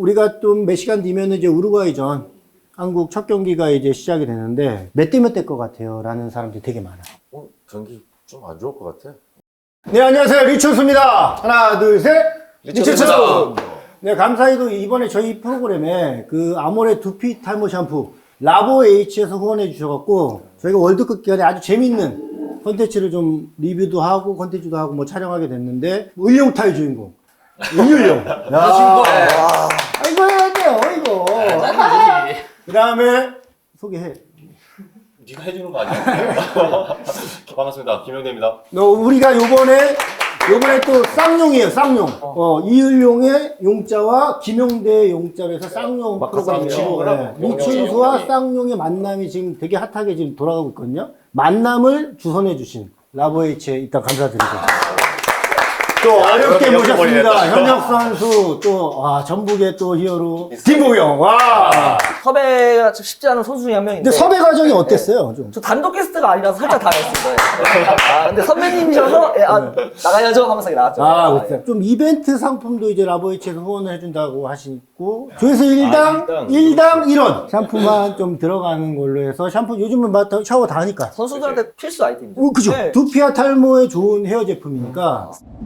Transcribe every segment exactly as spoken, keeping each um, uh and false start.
우리가 좀 몇 시간 뒤면 이제 우루과이전 한국 첫 경기가 이제 시작이 되는데 몇 대 몇 대 것 같아요? 라는 사람들이 되게 많아요. 어, 경기 좀 안 좋을 것 같아. 네, 안녕하세요. 리춘수입니다. 하나, 둘, 셋. 리춘수! 리춘수! 네, 감사히도 이번에 저희 프로그램에 그 아모레 두피 탈모 샴푸 라보 H에서 후원해 주셔갖고 저희가 월드컵 기간에 아주 재밌는 컨텐츠를 좀 리뷰도 하고 컨텐츠도 하고 뭐 촬영하게 됐는데 을룡타의 주인공. 을룡. 야, 아, 이거 해야 돼요, 이거. 그 다음에 소개해. 네가 해주는 거 아니야? 반갑습니다. 김영대입니다. 너 우리가 요번에 요번에 또 쌍용이에요, 쌍용. 어, 이을용의 용자와 김용대의 용자로 해서 쌍용 프로그램이에요. 네. 리춘수와 쌍용의 만남이 지금 되게 핫하게 지금 돌아가고 있거든요. 만남을 주선해 주신 라보에이치에 일단 감사드리고. 또 야, 어렵게 모셨습니다. 현역 선수, 또, 와, 전북의 또 히어로. 김보경, 와. 섭외가 쉽지 않은 선수 중에 한 명인데. 근데 섭외 과정이 어땠어요? 좀. 저 단독 게스트가 아니라서 살짝 당했습니다. 아, 근데 선배님이셔서, 예, 아, 나가야죠 하면서 나왔죠. 아, 아, 그렇죠. 좀 이벤트 상품도 이제 라보에이치에서 후원을 해준다고 하시고, 조회수 일 당, 아, 일 당 일 원. 샴푸만 좀 들어가는 걸로 해서, 샴푸 요즘은 막 샤워 다 하니까. 선수들한테 필수 아이템이죠. 어, 그죠. 네. 두피와 탈모에 좋은 헤어 제품이니까.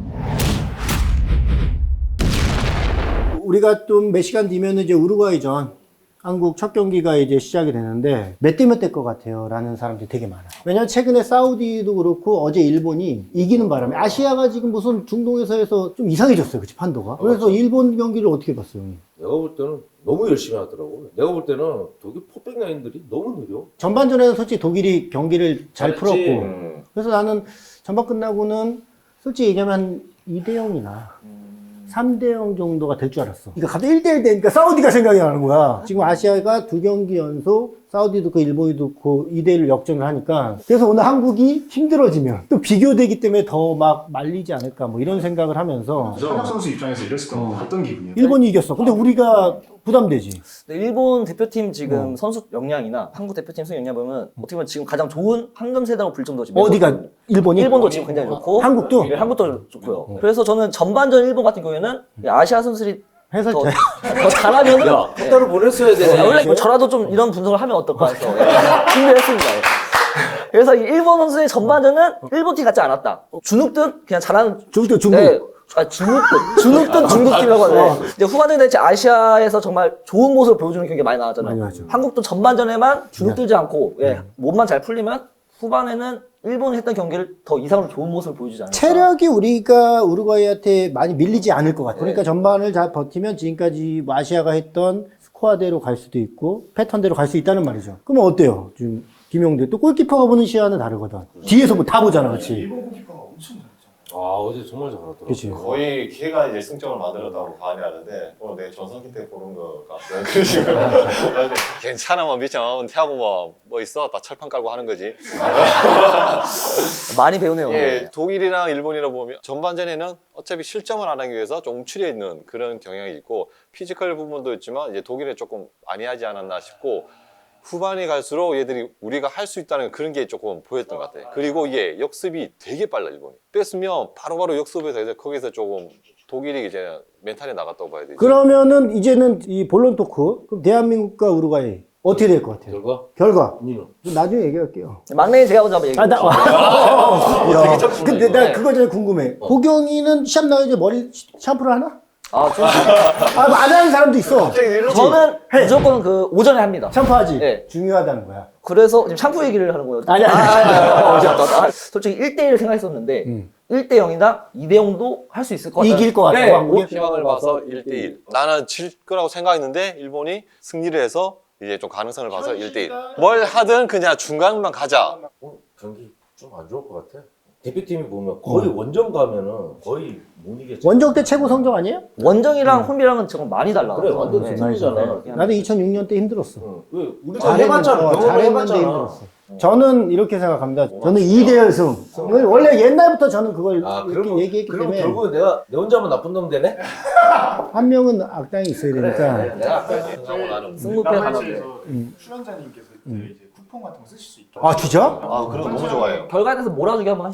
우리가 좀 몇 시간 뒤면 이제 우루과이전 한국 첫 경기가 이제 시작이 되는데 몇 대 몇 대 것 같아요? 라는 사람들이 되게 많아요. 왜냐면 최근에 사우디도 그렇고 어제 일본이 이기는 바람에 아시아가 지금 무슨 중동에서 해서 좀 이상해졌어요. 그치, 판도가. 그래서 일본 경기를 어떻게 봤어요, 형님? 내가 볼 때는 너무 열심히 하더라고. 내가 볼 때는 독일 포백 라인들이 너무 느려. 전반전에는 솔직히 독일이 경기를 잘 잘했지. 풀었고 음. 그래서 나는 전반 끝나고는 솔직히 얘기하면 이 대 영이나 삼 대 영 정도가 될 줄 알았어. 그러니까 갑자기 일 대 일 되니까 사우디가 생각이 나는 거야. 지금 아시아가 두 경기 연속 사우디도 그 일본이도 그 이 대 일로 역전을 하니까 그래서 오늘 한국이 힘들어지면 또 비교되기 때문에 더 막 말리지 않을까 뭐 이런 생각을 하면서 현역 선수 입장에서 이랬을 때 어떤 기분이에요? 일본이 이겼어. 근데 우리가 부담되지. 근데 일본 대표팀 지금 어. 선수 역량이나 한국 대표팀 선수 역량 보면 어떻게 보면 지금 가장 좋은 황금 세대라고 불 정도 지금 어디가 일본이? 일본도 지금 굉장히 좋고 한국도? 네, 한국도 좋고요. 그래서 저는 전반전 일본 같은 경우에는 아시아 선수들이 해설 더, 잘. 더 잘하면은 야, 따로 보냈어야 되네. 아, 원래 뭐 저라도 좀 이런 분석을 하면 어떨까 해서 예, 준비했습니다. 예. 그래서 이 일본 선수의 전반전은 일본 팀 같지 않았다. 주눅든 그냥 잘하는 중국 중국. 네, 아, 주눅든 주눅든 중국팀이라고 하는데 이제 후반전에 이제 아시아에서 정말 좋은 모습을 보여주는 경기가 많이 나왔잖아요. 많이 나왔죠. 한국도 전반전에만 주눅들지 않고 예, 몸만 잘 풀리면 후반에는 일본이 했던 경기를 더 이상으로 좋은 모습을 보여주지 않을까. 체력이 우리가 우루과이한테 많이 밀리지 않을 것 같아요. 그러니까 전반을 잘 버티면 지금까지 뭐 아시아가 했던 스코어대로 갈 수도 있고 패턴대로 갈 수 있다는 말이죠. 그러면 어때요? 지금 김용대 또 골키퍼가 보는 시야는 다르거든. 뒤에서 뭐 다 보잖아, 그렇지? 일본 골키퍼가 엄청 잘했죠. 아, 어제 정말 잘하더라고. 그렇지. 거의 걔가 이제 승점을 만들었다고 봐야 하는데 오늘 내 전성기 때 보는 것 같아요. 그런 식으로. 괜찮아 뭐 미쳐 태하고 뭐, 뭐 있어 다 철판 깔고 하는 거지. 많이 배우네요. 예, 독일이랑 일본이라 보면 전반전에는 어차피 실점을 안 하기 위해서 좀 움츠려 있는 그런 경향이 있고 피지컬 부분도 있지만 이제 독일에 조금 많이 하지 않았나 싶고 후반이 갈수록 얘들이 우리가 할 수 있다는 그런 게 조금 보였던 것 같아요. 그리고 이게 역습이 되게 빨라 일본이. 뺐으면 바로바로 역습해서 이제 거기서 조금 독일이 이제 멘탈이 나갔다고 봐야 되지. 그러면은 이제는 이 본론 토크. 그럼 대한민국과 우루과이 어떻게 될 것 같아요? 결과? 결과. 니는? 나중에 얘기할게요. 막내인 제가 먼저 한번 얘기해 아, 나, 볼게요. 야, 근데 나 그거 전에 궁금해. 보경이는 시합 나야지 머리 샴푸를 하나? 아, 좀, 아, 뭐 안 하는 사람도 있어. 저는 무조건 그 오전에 합니다. 샴푸하지? 네. 중요하다는 거야. 그래서 지금 샴푸 얘기를 하는 거예요. 아니, 아니, 아, 아니, 아니, 아니, 아니. 솔직히 일 대 일을 생각했었는데 음. 일 대 영이나 이 대 영도 할 수 있을 것 같아요. 이길 것 같아. 네. 한국이? 희망을 봐서 일 대 일. 나는 질 거라고 생각했는데 일본이 승리를 해서 이제 좀 가능성을 봐서 일 대 일. 뭘 하든 그냥 중간만 가자. 어, 경기 좀 안 좋을 것 같아. 대표팀이 보면 거의 원정 가면은 거의 못 이겼지. 원정 때 최고 성적 아니에요? 원정이랑 홈이랑은 정말 많이 달라. 그래, 완전 네. 팀이잖아. 네. 나도 이천육 년 때 힘들었어. 응. 왜 우리가 잘했는데, 해봤잖아. 어, 경험을 잘했는데 해봤잖아. 힘들었어. 저는 이렇게 생각합니다. 저는 이 대 일 승. 원래 옛날부터 저는 그걸 아, 이렇게 그럼 얘기했기 그럼 때문에 결국은 내가 내 혼자만 나쁜 놈 되네? 한 명은 악당이 있어야 되니까. 내가 아까 생각하고 나는 승부패 하나. 라보에이치에서 출연자님께서 그 이제 쿠폰 같은 거 쓰실 수 있게. 아, 진짜? 아, 그런 거 너무 좋아해요. 결과에 대해서 몰아주기 한번 하시죠.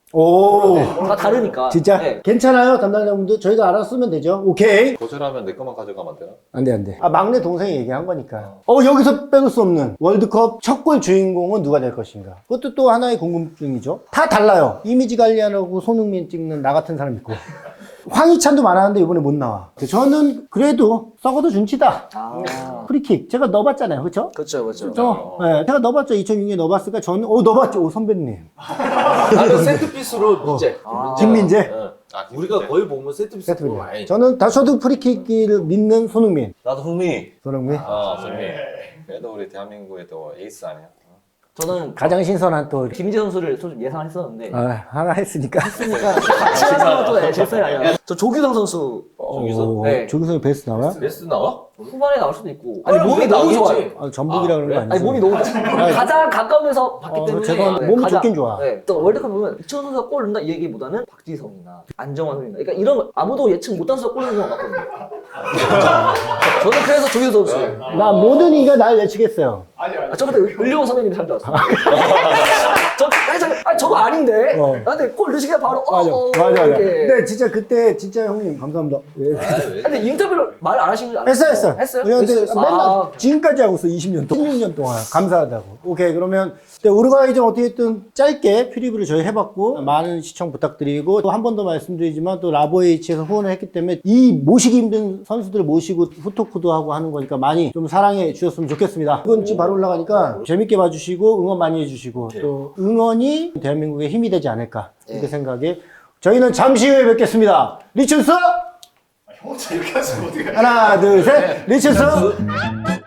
오. 다 다르니까. 진짜? 네. 괜찮아요, 담당자분들? 저희가 알았으면 되죠. 오케이. 거절하면 내 것만 가져가면 안 되나? 안 돼, 안 돼. 아, 막내 동생이 얘기한 거니까. 어, 여기서 빼놓을 수 없는 월드컵 첫 골 주인공은 누가 될 것인가? 그것도 또 하나의 궁금증이죠. 다 달라요. 이미지 관리하라고 손흥민 찍는 나 같은 사람 있고. 황희찬도 많았는데 이번에 못 나와. 저는 그래도 썩어도 준치다. 아. 프리킥. 제가 넣어봤잖아요. 그쵸? 그렇죠, 그렇죠. 저, 네, 제가 넣어봤죠. 이천육 년에 넣어봤으니까 저는, 오, 넣어봤죠. 오, 선배님. 나는 세트피스로 문제. 아. 김민재? 응. 아, 우리가 거의 보면 세트피스 세트입니다. 보면 많이. 저는 다 저도 프리킥을 믿는 손흥민. 나도 흥미. 손흥민. 아, 선미. 그래도 우리 대한민국의 또 에이스 아니야? 저는 가장 신선한 또, 김민재 선수를 좀 예상했었는데 아, 하나 했으니까. 그러니까 같이 하는 것도 네, 제 스타일이 아니라 저 조규성 선수 조규성? 네. 조규성이 베스트 나와요? 베스트 나와? 후반에 나올 수도 있고 아니 어, 몸이 왜 너무 나오겠지? 좋아요. 아, 전북이라 그런 거 아니죠? 아니 몸이 너무 좋아요. 가장 가까우면서 봤기 어, 때문에 죄송한데 몸이 좋긴 좋아. 네. 또 월드컵 보면 이천 선수가 골 넣는다 이 얘기보다는 박지성이나 안정환 선수나 그러니까 이런 거 아무도 예측 못한 선수가 골 넣는 것 같거든요. 저는 그래서 조규성 선수. 나 모든 이가 날 예측했어요. 아, 저 그때 을려온 선배님이 잘 들었어요. 저, 아니, 저, 아니, 저거 아닌데? 어. 아, 근데 골 넣으시기가 바로, 어, 맞아, 어, 맞아, 맞아. 이렇게. 근데 진짜 그때 진짜 형님 감사합니다. 예. 근데 인터뷰를 말 안 하신 줄 알았어요. 했어, 했어. 했어요? 근데 했어요? 맨날 아, 지금까지 하고 있어, 이십 년 동안. 십육 년 동안. 감사하다고. 오케이, 그러면 근데 우루과이전 어떻게든 짧게 프리뷰를 저희 해봤고, 많은 시청 부탁드리고, 또 한 번 더 말씀드리지만, 또 라보에이치에서 후원을 했기 때문에, 이 모시기 힘든 선수들을 모시고 후토크도 하고 하는 거니까 많이 좀 사랑해 주셨으면 좋겠습니다. 이번 주 바로 올라가니까 재밌게 봐주시고, 응원 많이 해주시고, 또 응원이 대한민국의 힘이 되지 않을까, 이렇게 생각에, 저희는 잠시 후에 뵙겠습니다. 리춘스! 형 혼자 이렇게 하시면 어떡해. 하나, 둘, 셋, 리춘스!